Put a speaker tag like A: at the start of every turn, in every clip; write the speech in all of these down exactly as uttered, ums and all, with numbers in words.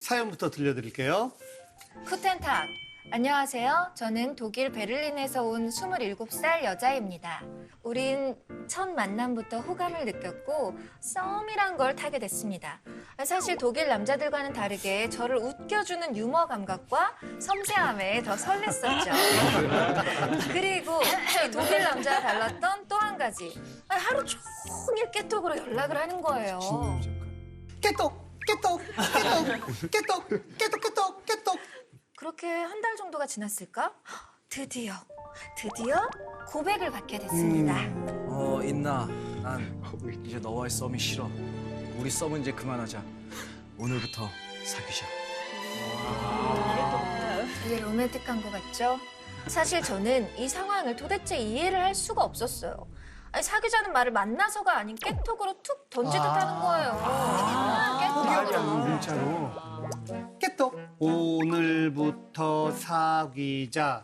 A: 사연부터 들려드릴게요.
B: 쿠텐탁. 안녕하세요. 저는 독일 베를린에서 온 스물일곱 살 여자입니다. 우린 첫 만남부터 호감을 느꼈고 썸이란 걸 타게 됐습니다. 사실 독일 남자들과는 다르게 저를 웃겨주는 유머 감각과 섬세함에 더 설렜었죠. 그리고 이 독일 남자와 달랐던 또 한 가지. 하루 종일 깨톡으로 연락을 하는 거예요.
A: 깨똑, 깨똑, 깨똑, 깨똑, 깨똑, 깨똑, 깨똑.
B: 그렇게 한 달 정도가 지났을까? 드디어, 드디어 고백을 받게 됐습니다.
C: 어, 있나? 난 이제 너와의 썸이 싫어. 우리 썸은 이제 그만하자. 오늘부터 사귀자.
B: 되게 로맨틱한 것 같죠? 사실 저는 이 상황을 도대체 이해를 할 수가 없었어요. 아니, 사귀자는 말을 만나서가 아닌 깨톡으로 툭 던지듯 하는 거예요. 깨톡으로.
A: 문자로. 깨똑. 오늘부터 사귀자.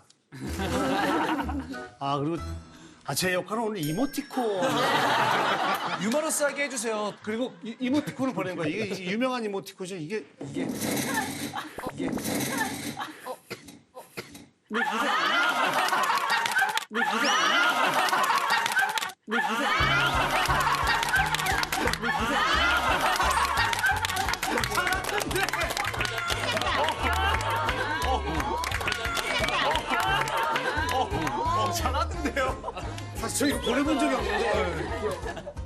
A: 아, 그리고 아, 제 역할은 오늘 이모티콘.
C: 유머러스하게 해주세요.
A: 그리고 이, 이모티콘을 보낸 거예요. 이게 유명한 이모티콘이죠. 이게
C: 이게 이게
A: 사실 저 이거 보내본 적이 없는데.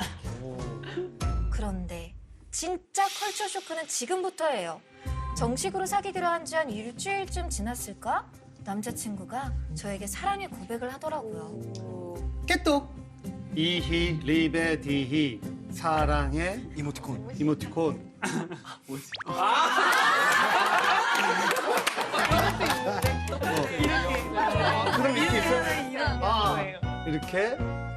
B: 그런데 진짜 컬처 쇼크는 지금부터예요. 정식으로 사귀기로 한 지 한 일주일쯤 지났을까? 남자친구가 저에게 사랑의 고백을 하더라고요.
A: 깨똑. 이히 리베 디히 사랑해
C: 이모티콘.
A: 이모티콘. 아, 그럼 이렇게 있어요? 아, 이렇게.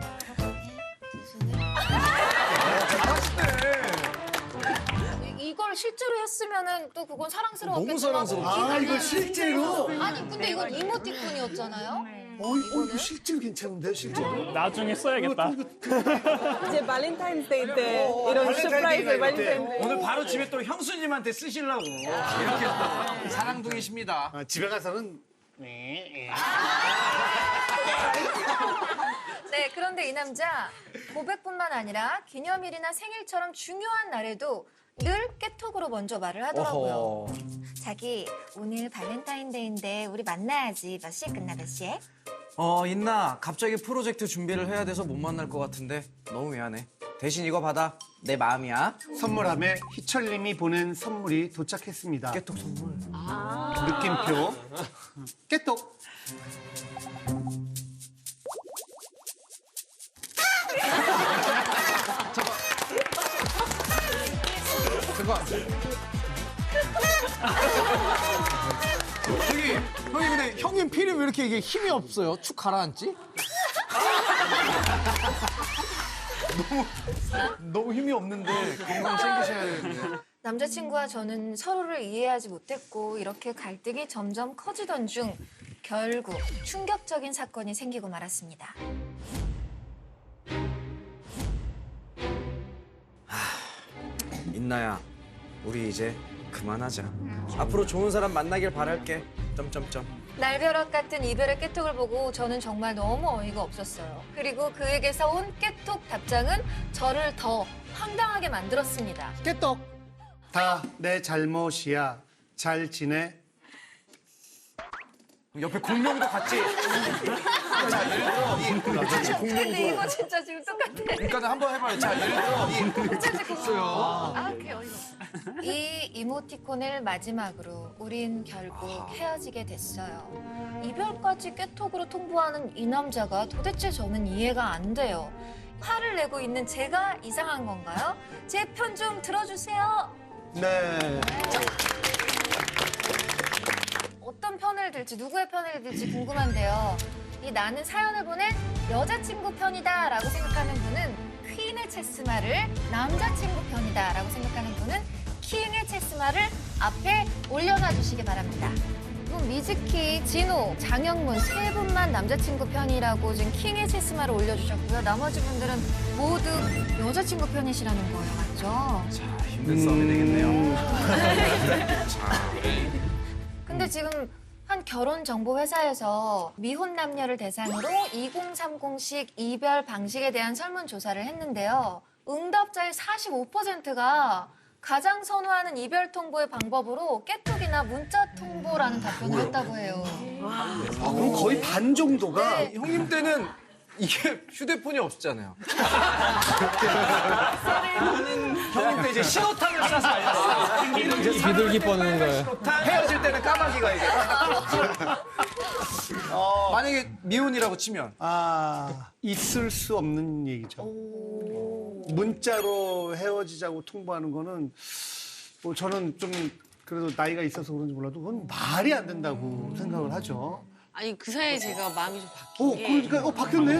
B: 이걸 실제로 했으면은 또 그건 사랑스러웠겠지만
C: 너무 사랑스러워.
A: 아, 이거 실제로?
B: 아니 근데 이건 이모티콘이었잖아요.
A: 어, 이- 어, 이거 실제로 괜찮은데요, 실제로?
D: 나중에 써야겠다.
A: 이거, 이거,
E: 이제 발렌타인데이 때 이런 서프라이즈 발렌타인데이.
C: 오늘 바로 집에 또 형수님한테 쓰시려고 이렇게 또 사랑둥이십니다.
A: 아, 집에 가서는 네,
B: 네, 그런데 이 남자 고백뿐만 아니라 기념일이나 생일처럼 중요한 날에도 늘 깨톡으로 먼저 말을 하더라고요.
C: 어허.
B: 자기 오늘 발렌타인데이인데 우리 만나야지. 몇 시에 끝나 몇 시에?
C: 어, 있나? 갑자기 프로젝트 준비를 해야 돼서 못 만날 것 같은데 너무 미안해. 대신 이거 받아. 내 마음이야.
A: 선물함에 희철님이 보낸 선물이 도착했습니다.
C: 깨톡 선물.
A: 느낌표. 깨똑.
C: 잠깐.
F: 저기 형님 근데 형님 필이 왜 이렇게 이게 힘이 없어요? 축 가라앉지?
C: 너무 너무 힘이 없는데 건강 챙기셔야 되는데.
B: 남자친구와 저는 서로를 이해하지 못했고 이렇게 갈등이 점점 커지던 중 결국 충격적인 사건이 생기고 말았습니다.
C: 인나야, 우리 이제 그만하자. 앞으로 좋은 사람 만나길 바랄게. 점점점.
B: 날벼락 같은 이별의 깨톡을 보고 저는 정말 너무 어이가 없었어요. 그리고 그에게서 온 깨톡 답장은 저를 더 황당하게 만들었습니다.
A: 깨똑. 다 내 잘못이야. 잘 지내?
C: 옆에 공룡도 같이. 자, 예를 들어 이 같이
B: 근데
C: 공룡도.
B: 이거 진짜 지금 똑같아.
C: 그러니까 한번 해봐요. 자, 예를 들어 이
B: 진짜 지금 아, 그게 어이가 없어. 이 이모티콘을 마지막으로 우린 결국 헤어지게 됐어요. 이별까지 깨톡으로 통보하는 이 남자가 도대체 저는 이해가 안 돼요. 화를 내고 있는 제가 이상한 건가요? 제 편 좀 들어주세요.
A: 네.
B: 어떤 편을 들지, 누구의 편을 들지 궁금한데요. 이 나는 사연을 보낸 여자친구 편이다 라고 생각하는 분은 퀸의 체스마를, 남자친구 편이다 라고 생각하는 분은 킹의 체스마를 앞에 올려놔 주시기 바랍니다. 그럼 미즈키, 진호, 장영문 세 분만 남자친구 편이라고 지금 킹의 체스마를 올려주셨고요. 나머지 분들은 모두 여자친구 편이시라는 거예요, 맞죠?
C: 자, 힘든 싸움이 되겠네요. 자,
B: 지금 한 결혼 정보 회사에서 미혼 남녀를 대상으로 이공삼공식 이별 방식에 대한 설문 조사를 했는데요. 응답자의 사십오 퍼센트가 가장 선호하는 이별 통보의 방법으로 깨톡이나 문자 통보라는 답변을 했다고 해요.
A: 아, 그럼 거의 반 정도가
B: 네.
C: 형님 때는 이게 휴대폰이 없었잖아요. 형님 때 이제 신호탄을 쏴서 알렸어요.
D: 비둘기 뻗는 거예요.
C: 헤어질 때는 까마귀가 이제. 어, 만약에 미혼이라고 치면
A: 아, 있을 수 없는 얘기죠. 문자로 헤어지자고 통보하는 거는 뭐 저는 좀 그래도 나이가 있어서 그런지 몰라도 그건 말이 안 된다고 생각을 하죠.
G: 아니 그 사이에 제가 마음이 좀 바뀐
A: 어,
G: 게
A: 그러니까 어 바뀌었네.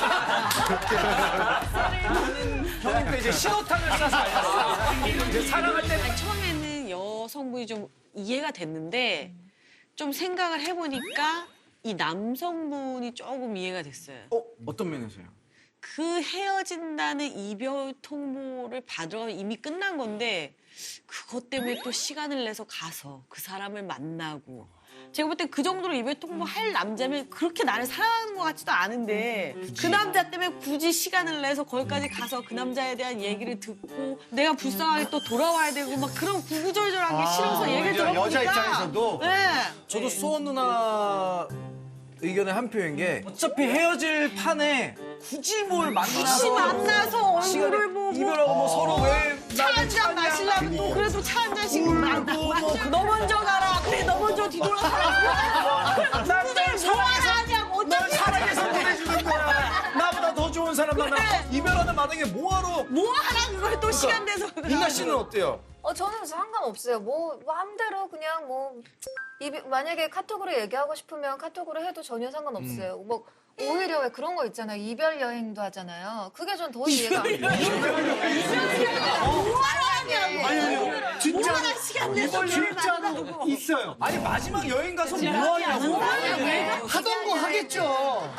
C: 형님 때 이제 신호탄을 쏴서 알렸어요. 이제 사랑할 때는
G: 아니, 처음에는 여성분이 좀 이해가 됐는데 좀 생각을 해보니까 이 남성분이 조금 이해가 됐어요.
C: 어 어떤 면에서요?
G: 그 헤어진다는 이별 통보를 받으러 가면 이미 끝난 건데 그것 때문에 또 시간을 내서 가서 그 사람을 만나고 제가 볼 때 그 정도로 이별 통보할 남자면 그렇게 나를 사랑하는 것 같지도 않은데 그 남자 때문에 굳이 시간을 내서 거기까지 가서 그 남자에 대한 얘기를 듣고 내가 불쌍하게 또 돌아와야 되고 막 그런 구구절절한 게 싫어서 얘기를
A: 오히려
G: 들어보니까
A: 여자 입장에서도
G: 네.
C: 저도 수원 누나 의견의 한 표인 게 어차피 헤어질 판에 굳이 뭘 만나서
G: 굳이 만나서 얼굴을 보고
C: 이별하고 뭐 서로 왜
G: 차 한 잔 마시려면 또 그래도 차 한 잔씩 마시고 너 먼저 가라 그래 너 먼저 뒤돌아서 누구를 좋아라 하냐고 어차피
C: 사랑해서 보내주는 거야. 나보다 더 좋은 사람 만나.
G: 그래.
C: 이별하는 마당에 뭐하러?
G: 뭐하라 그걸 또 시간 내서
C: 민나 씨는 어때요?
B: 어, 저는 상관없어요. 뭐, 마음대로 그냥 뭐, 이비, 만약에 카톡으로 얘기하고 싶으면 카톡으로 해도 전혀 상관없어요. 뭐, 오히려 왜 그런 거 있잖아요. 이별 여행도 하잖아요. 그게 전 더 이해가 안 돼요.
G: 뭐하라 하냐고
A: 아니, 아니, 진짜
G: 뭐하라 시간 내서
A: 진짜로 있어요.
C: 아니 마지막 여행 가서 뭐하냐고.
A: 하던 거 하겠죠.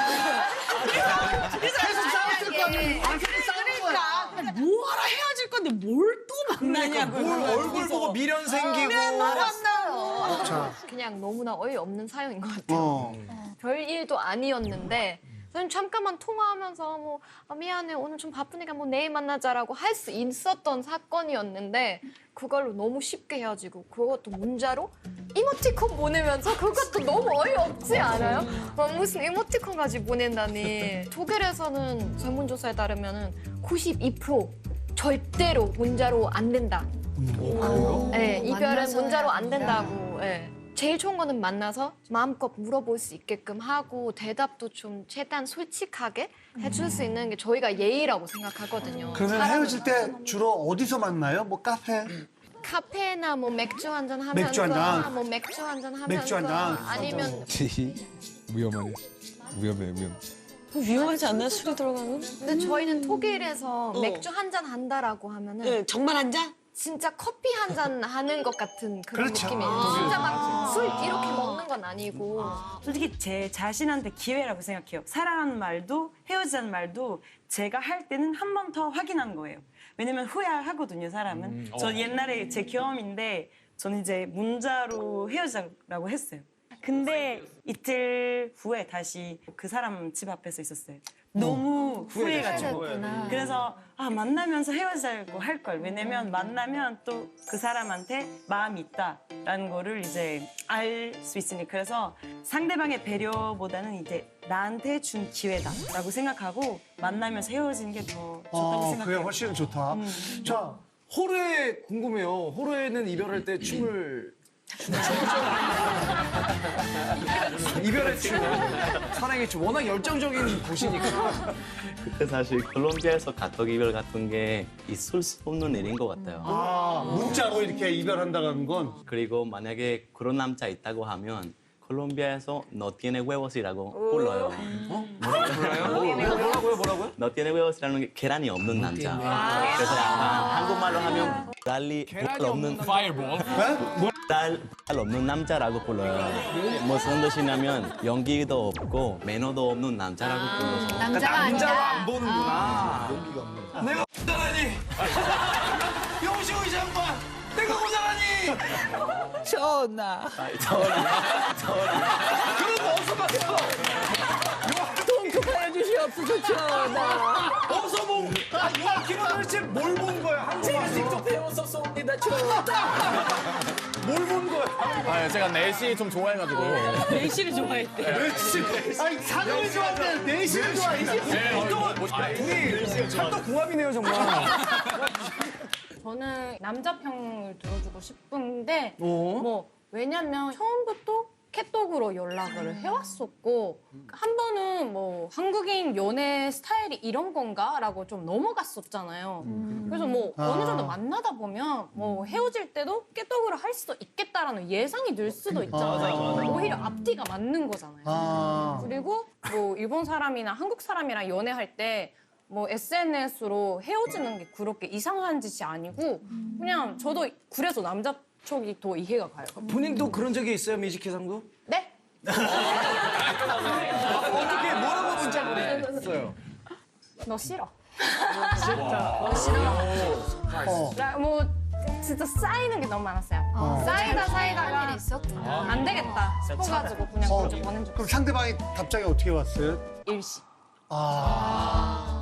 A: 계속 싸웠을 거 아니에요. 아, 계속 싸우는 거야.
G: 그러니까 뭐하라 헤어질 건데 뭘 또 만나냐고
C: 뭘 얼굴 보고 미련 생기고.
G: 만나고
A: 자,
H: 그냥 너무나 어이없는 사연인 것 같아요.
A: 어.
H: 별 일도 아니었는데 저는 잠깐만 통화하면서 뭐 아, 미안해 오늘 좀 바쁘니까 뭐 내일 만나자라고 할 수 있었던 사건이었는데 그걸로 너무 쉽게 헤어지고 그것도 문자로 이모티콘 보내면서 그것도 너무 어이없지 않아요? 막 무슨 이모티콘까지 보낸다니. 독일에서는 설문조사에 따르면 구십이 퍼센트 절대로 문자로 안 된다. 네, 이별은
B: 만나서
H: 문자로
B: 해야
H: 안 된다고. 예. 제일 좋은 거는 만나서 마음껏 물어볼 수 있게끔 하고 대답도 좀 최대한 솔직하게 해줄 수 있는 게 저희가 예의라고 생각하거든요.
A: 그러면
H: 사람을
A: 헤어질 때
H: 만나서
A: 주로 어디서 만나요? 뭐 카페?
H: 카페나 뭐 맥주 한잔 하면서
A: 맥주 한 잔.
H: 뭐 맥주 한잔 하면서
A: 맥주 한 잔.
H: 아니면
D: 위험하네. 위험해, 위험.
G: 위험하지 않나 술이 들어가면?
H: 근데 저희는 독일에서
G: 어.
H: 맥주 한 잔 한다라고 하면은
G: 네, 정말 한 잔?
H: 진짜 커피 한 잔 하는 것 같은 그런
A: 그렇죠.
H: 느낌이에요. 진짜 막 술 이렇게 먹는 건 아니고.
E: 솔직히 제 자신한테 기회라고 생각해요. 사랑하는 말도 헤어지자는 말도 제가 할 때는 한 번 더 확인하는 거예요. 왜냐면 후회하거든요, 사람은. 저 옛날에 제 경험인데 저는 이제 문자로 헤어지자고 했어요. 근데 이틀 후에 다시 그 사람 집 앞에서 있었어요. 너무 후회가지고.
B: 후회됐구나.
E: 그래서 아 만나면서 헤어지자고 할 걸. 왜냐면 만나면 또 그 사람한테 마음이 있다라는 거를 이제 알 수 있으니. 그래서 상대방의 배려보다는 이제 나한테 준 기회다라고 생각하고 만나면서 헤어지는 게 더 좋다고
A: 어, 그게
E: 생각해요.
A: 훨씬 좋다. 자,
C: 호르에 궁금해요. 호르에는 이별할 때 춤을 이별의 춤, 사랑의 춤. 워낙 열정적인 곳이니까.
I: 그때 사실 콜롬비아에서 가족 이별 같은 게 있을 수 없는 일인 것 같아요.
A: 아, 문자로 이렇게 이별한다는 건
I: 그리고 만약에 그런 남자 있다고 하면 콜롬비아에서 no tiene huevos이라고 불러요.
C: 뭐라고요, 뭐라고요?
I: no tiene huevos이라는 게 계란이 없는 남자. 그래서 약간 한국말로 하면 달리 달 없는 달, 달 없는 남자라고 불러요. 무슨 뜻이냐면 연기도 없고 매너도 없는 남자라고 불러서.
B: 남자가
C: 남자로
B: 아니라.
C: 안 보는구나. 내가 모자라니. 영시호 이 장관, 내가 모자라니. 전하.
F: 그럼 어디서 봤어?
C: 통촉하여 주시옵소서 전하.
F: 어디서 본? 아, 요아킴은 도대체 뭘 본 거야? 한국에서
C: 직접 배웠었습니다 전하.
F: 뭘 본 거야?
D: 아, 제가 내시 좀 좋아해가지고.
G: 내시를 좋아했대.
A: 아니 상을 좋아하는데 내시를 좋아해.
F: 둘이 찰떡궁합이네요, 정말.
H: 저는 남자 평을 들어주고 싶은데 뭐 왜냐면 처음부터 캐톡으로 연락을 해왔었고 한 번은 뭐 한국인 연애 스타일이 이런 건가라고 좀 넘어갔었잖아요. 그래서 뭐
A: 아.
H: 어느 정도 만나다 보면 뭐 헤어질 때도 깨톡으로 할 수도 있겠다라는 예상이 들 수도 있잖아요. 오히려 앞뒤가 맞는 거잖아요.
A: 아.
H: 그리고 뭐 일본 사람이나 한국 사람이랑 연애할 때 뭐 에스엔에스로 헤어지는 게 그렇게 이상한 짓이 아니고 그냥 저도 그래서 남자 쪽이 더 이해가 가요.
C: 본인도 그런 적이 있어요, 미지키상도?
H: 네?
F: 어떻게 뭐라고 문자 보냈어요?
H: 너 싫어.
A: 어.
H: 나 뭐 진짜 쌓이는 게 너무 많았어요. 쌓이다
B: 할
H: 쌓이다가
B: 일이 있었구나.
H: 안 되겠다 싶어가지고 그냥
A: 어.
H: 먼저 보낸 적
A: 그럼 상대방이 답장이 어떻게 왔어요?
H: 일시.
A: 아.